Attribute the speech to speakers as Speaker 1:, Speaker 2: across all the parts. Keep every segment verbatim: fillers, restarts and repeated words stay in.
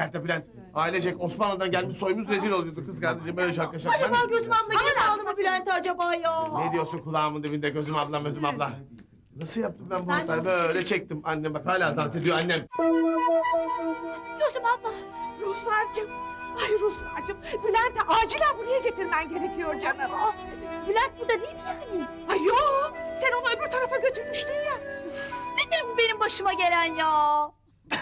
Speaker 1: nikahta Bülent. Ailecek Osmanlı'dan gelmiş soyumuz rezil oluyordu kız kardeşim böyle şaka şaka.
Speaker 2: Acaba Gözüm abla gene aldı mı Bülent'i acaba ya?
Speaker 1: Ne diyorsun kulağımın dibinde gözüm ablam gözüm abla. Nasıl yaptım ben bu hatayı böyle çektim annem bak hala dans ediyor annem.
Speaker 2: Gözüm abla.
Speaker 3: Ruslarcığım. Ay Ruslarcığım. Bülent'i acilen buraya getirmen gerekiyor canım.
Speaker 2: Aa, Bülent burada değil mi yani?
Speaker 3: Ay yok. Sen onu öbür tarafa götürmüştün ya.
Speaker 2: Nedir bu benim başıma gelen ya?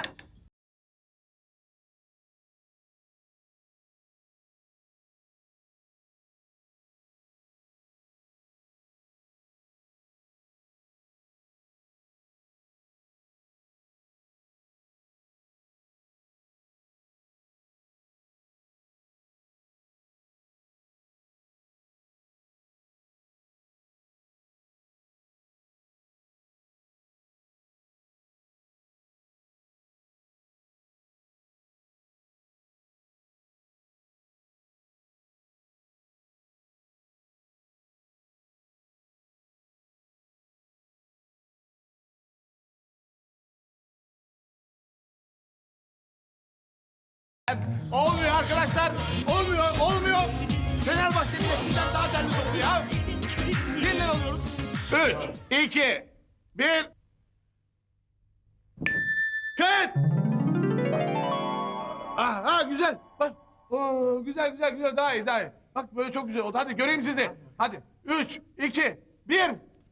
Speaker 1: Olmuyor arkadaşlar olmuyor olmuyor. Fenerbahçe'nin eskiden daha canlı oldu ya. Yeniden alıyoruz. Üç, iki, bir. Kayıt. Ah, ah güzel. Bak. Oo, güzel güzel güzel daha iyi daha iyi. Bak böyle çok güzel oldu. Hadi göreyim sizi. Hadi. Üç, iki, bir.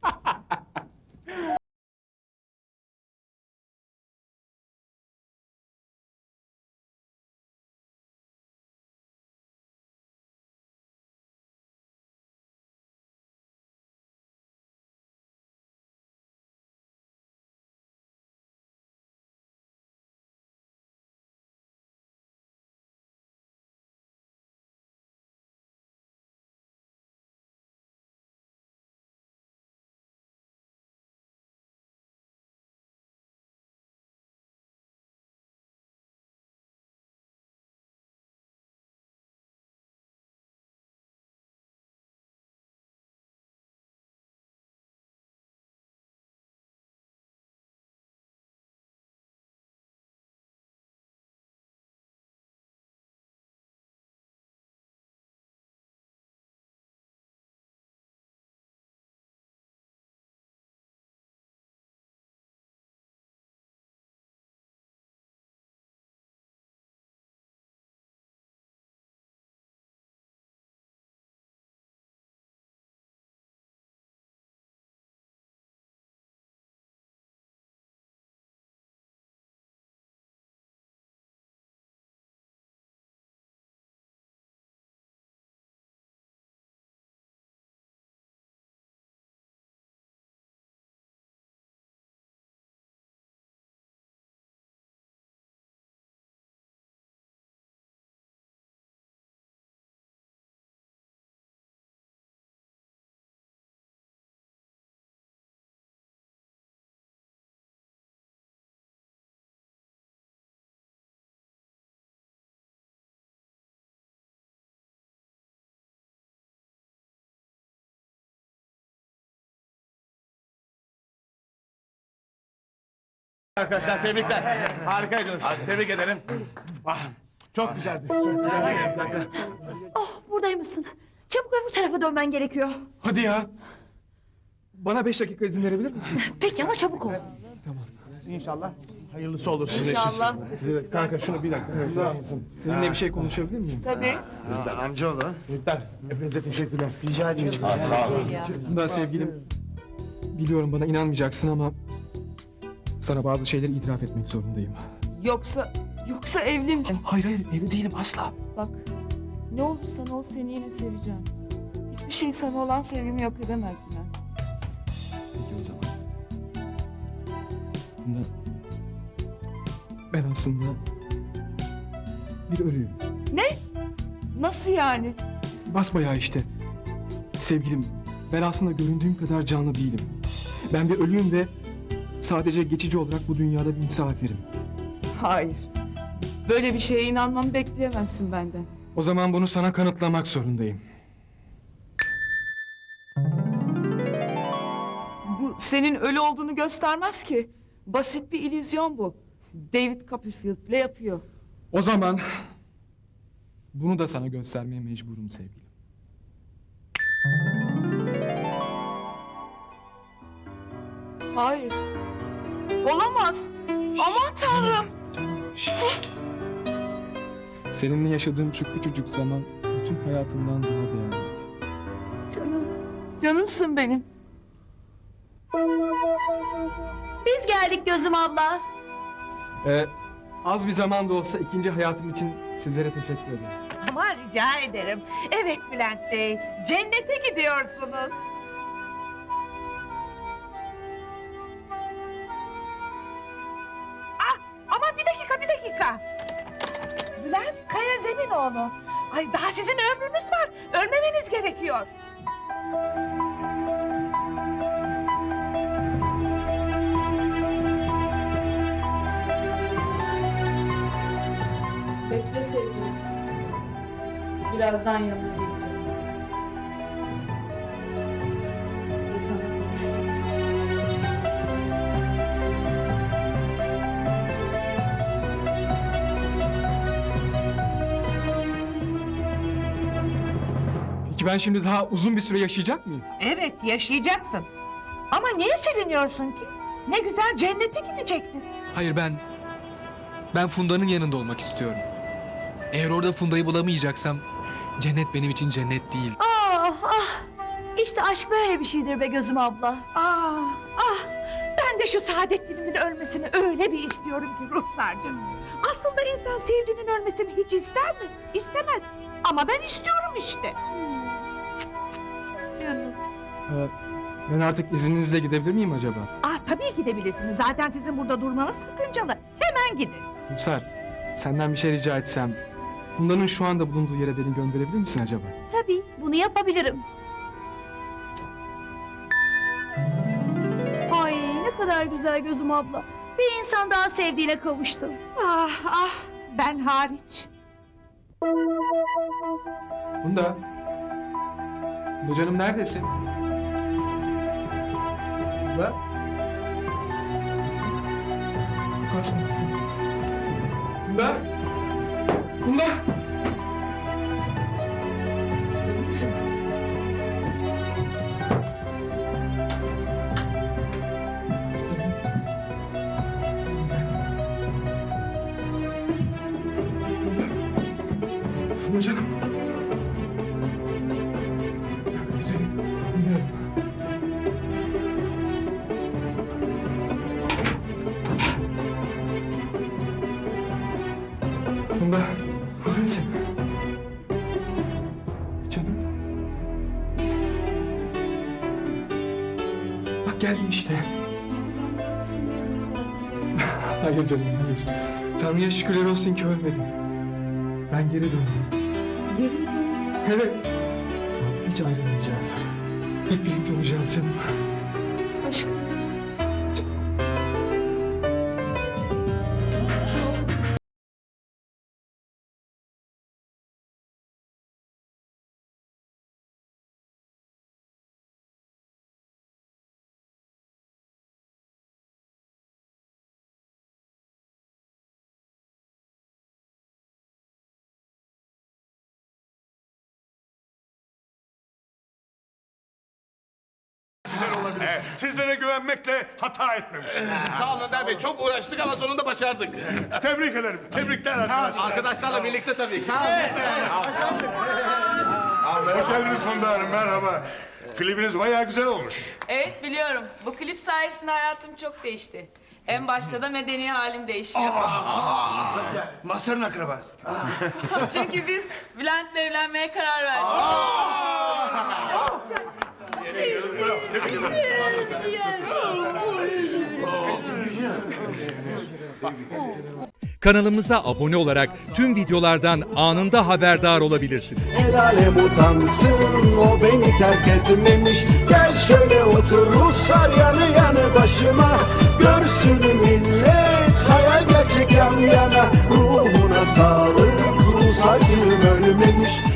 Speaker 1: Arkadaşlar tebrikler. Harikaydınız. Tebrik ederim. Ah, çok güzeldi. Çok güzeldi.
Speaker 2: Oh buradaymışsın. Çabuk öbür tarafa dönmen gerekiyor.
Speaker 1: Hadi ya.
Speaker 4: Bana beş dakika izin verebilir misin?
Speaker 2: Peki ama çabuk ol.
Speaker 1: İnşallah hayırlısı olur sizin
Speaker 3: İnşallah.
Speaker 1: için. Size, kanka şunu bir dakika tutar mısın?
Speaker 4: Seninle bir şey konuşabilir miyim?
Speaker 3: Tabii.
Speaker 1: Amcaoğlu. Çocuklar hepinize teşekkürler. Rica ediyorum. Sağ olun.
Speaker 4: Bunda sevgilim, biliyorum bana inanmayacaksın ama sana bazı şeyleri itiraf etmek zorundayım.
Speaker 5: Yoksa, yoksa evli misin?
Speaker 4: Hayır hayır evli değilim asla.
Speaker 5: Bak, ne olursan ol seni yine seveceğim. Hiçbir şey sana olan sevgimi yok edemez Bülent.
Speaker 4: Peki o zaman. Bunda ben aslında bir ölüyüm.
Speaker 5: Nasıl yani?
Speaker 4: Basbayağı işte. Sevgilim, ben aslında göründüğüm kadar canlı değilim. Ben bir ölüyüm ve sadece geçici olarak bu dünyada bir misafirim.
Speaker 5: Hayır. Böyle bir şeye inanmamı bekleyemezsin benden.
Speaker 4: O zaman bunu sana kanıtlamak zorundayım.
Speaker 5: Bu senin ölü olduğunu göstermez ki. Basit bir illüzyon bu. David Copperfield bile yapıyor.
Speaker 4: O zaman bunu da sana göstermeye mecburum sevgilim.
Speaker 5: Hayır. Olamaz. Aman Tanrım.
Speaker 4: Seninle yaşadığım şu küçücük zaman bütün hayatımdan daha değerliydi.
Speaker 5: Canım. Canımsın benim.
Speaker 2: Biz geldik Gözüm abla.
Speaker 4: Ee, az bir zaman da olsa ikinci hayatım için sizlere teşekkür ederim.
Speaker 3: Ama rica ederim. Evet Bülent Bey, cennete gidiyorsunuz. Ah, ama bir dakika, bir dakika. Bülent Kaya Zeminoğlu. Ay daha sizin ömrünüz var. Ölmemeniz gerekiyor.
Speaker 5: Bekle sevgilim. Birazdan yanına geleceğim. Ve sana konuşacağım.
Speaker 4: Peki ben şimdi daha uzun bir süre yaşayacak mıyım?
Speaker 3: Evet, yaşayacaksın. Ama niye seviniyorsun ki? Ne güzel cennete gidecektin.
Speaker 6: Hayır ben... Ben Funda'nın yanında olmak istiyorum. Eğer orada Funda'yı bulamayacaksam... Cennet benim için cennet değil.
Speaker 2: Ah ah. İşte aşk böyle bir şeydir be Gözüm abla.
Speaker 3: Ah, ah! Ben de şu Saadettin'imin ölmesini öyle bir istiyorum ki Ruhsar'cığım. Aslında insan sevdiğinin ölmesini hiç ister mi? İstemez. Ama ben istiyorum işte.
Speaker 2: Canım.
Speaker 4: Ee, ben artık izninizle gidebilir miyim acaba?
Speaker 3: Ah tabii gidebilirsiniz. Zaten sizin burada durmanız sakıncalı. Hemen gidin.
Speaker 4: Rusar, senden bir şey rica etsem... Funda'nın şu anda bulunduğu yere beni gönderebilir misin acaba?
Speaker 2: Tabii bunu yapabilirim. Ay ne kadar güzel Gözüm abla. Bir insan daha sevdiğine kavuştu.
Speaker 3: Ah ah! Ben hariç.
Speaker 4: Funda. Funda canım neredesin? Funda. Lukas mı? Funda. Funda. İyi misin? Funda canım. Güzelim, bilmiyorum. Funda, var mısın? Canım. Bak geldim işte. Hayır canım, hayır. Tanrı'ya şükürler olsun ki ölmedin. Ben geri döndüm.
Speaker 2: Geri mi?
Speaker 4: Evet. Artık hiç ayrılmayacağız. Hep birlikte olacağız canım.
Speaker 2: Aşkım.
Speaker 7: Evet, sizlere güvenmekle hata etmemişim.
Speaker 1: Sağ olun Önder Bey. Çok uğraştık ama sonunda başardık.
Speaker 7: Tebrik ederim. Tebrikler arkadaşlar.
Speaker 1: Arkadaşlarla birlikte tabii. Sağ olun.
Speaker 7: Hoş geldiniz Funda Hanım. Merhaba. Klibiniz bayağı güzel olmuş.
Speaker 8: Evet biliyorum. Bu klip sayesinde hayatım çok değişti. En başta da medeni halim değişiyor.
Speaker 1: Masarın akrabası.
Speaker 8: Çünkü biz Bülent'le evlenmeye karar verdik.
Speaker 9: Kanalımıza abone olarak tüm videolardan anında haberdar olabilirsiniz.
Speaker 10: El alem utansın, o beni terk etmemiş. Gel şöyle otur Ruslar yanı yanı başıma. Görsün millet, hayal gerçek yan yana. Ruhuna sağlık, Rus acım ölmemiş.